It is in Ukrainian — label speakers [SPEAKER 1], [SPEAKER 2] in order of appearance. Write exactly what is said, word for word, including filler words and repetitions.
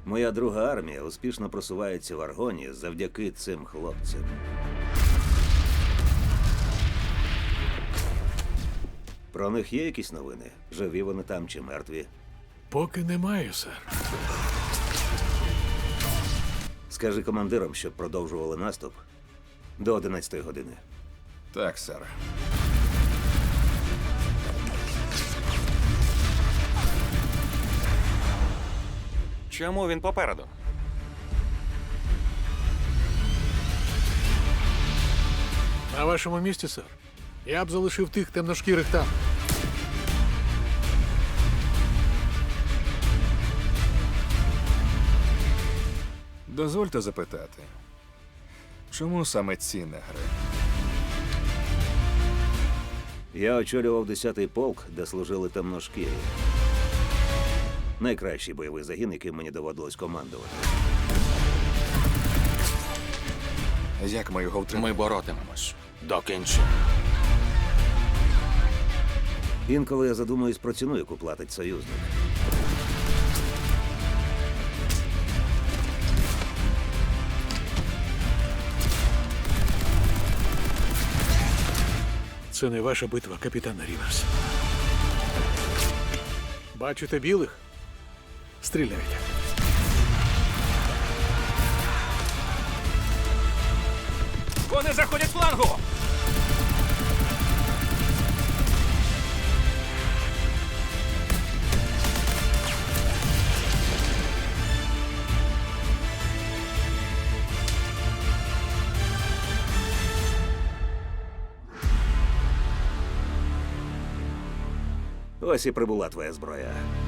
[SPEAKER 1] Моя друга армія успішно просувається в Аргоні завдяки цим хлопцям. Про них є якісь новини? Живі вони там чи мертві?
[SPEAKER 2] Поки немає, сер.
[SPEAKER 1] Скажи командирам, щоб продовжували наступ до одинадцятої години.
[SPEAKER 3] Так, сер.
[SPEAKER 4] Чому він попереду?
[SPEAKER 2] На вашому місці, сер. Я б залишив тих темношкірих там.
[SPEAKER 3] Дозвольте запитати, чому саме ці негри?
[SPEAKER 1] Я очолював десятий полк, де служили темношкірі. Найкращий бойовий загін, яким мені доводилось командувати.
[SPEAKER 3] Як ми його втримаємо?
[SPEAKER 4] Ми боротимемось. До кінця.
[SPEAKER 1] Інколи я задумуюсь про ціну, яку платить союзник.
[SPEAKER 2] Це не ваша битва, капітан Ріверс. Бачите білих? Стріляйте.
[SPEAKER 4] Вони заходять флангу!
[SPEAKER 1] Ось і прибула твоя зброя.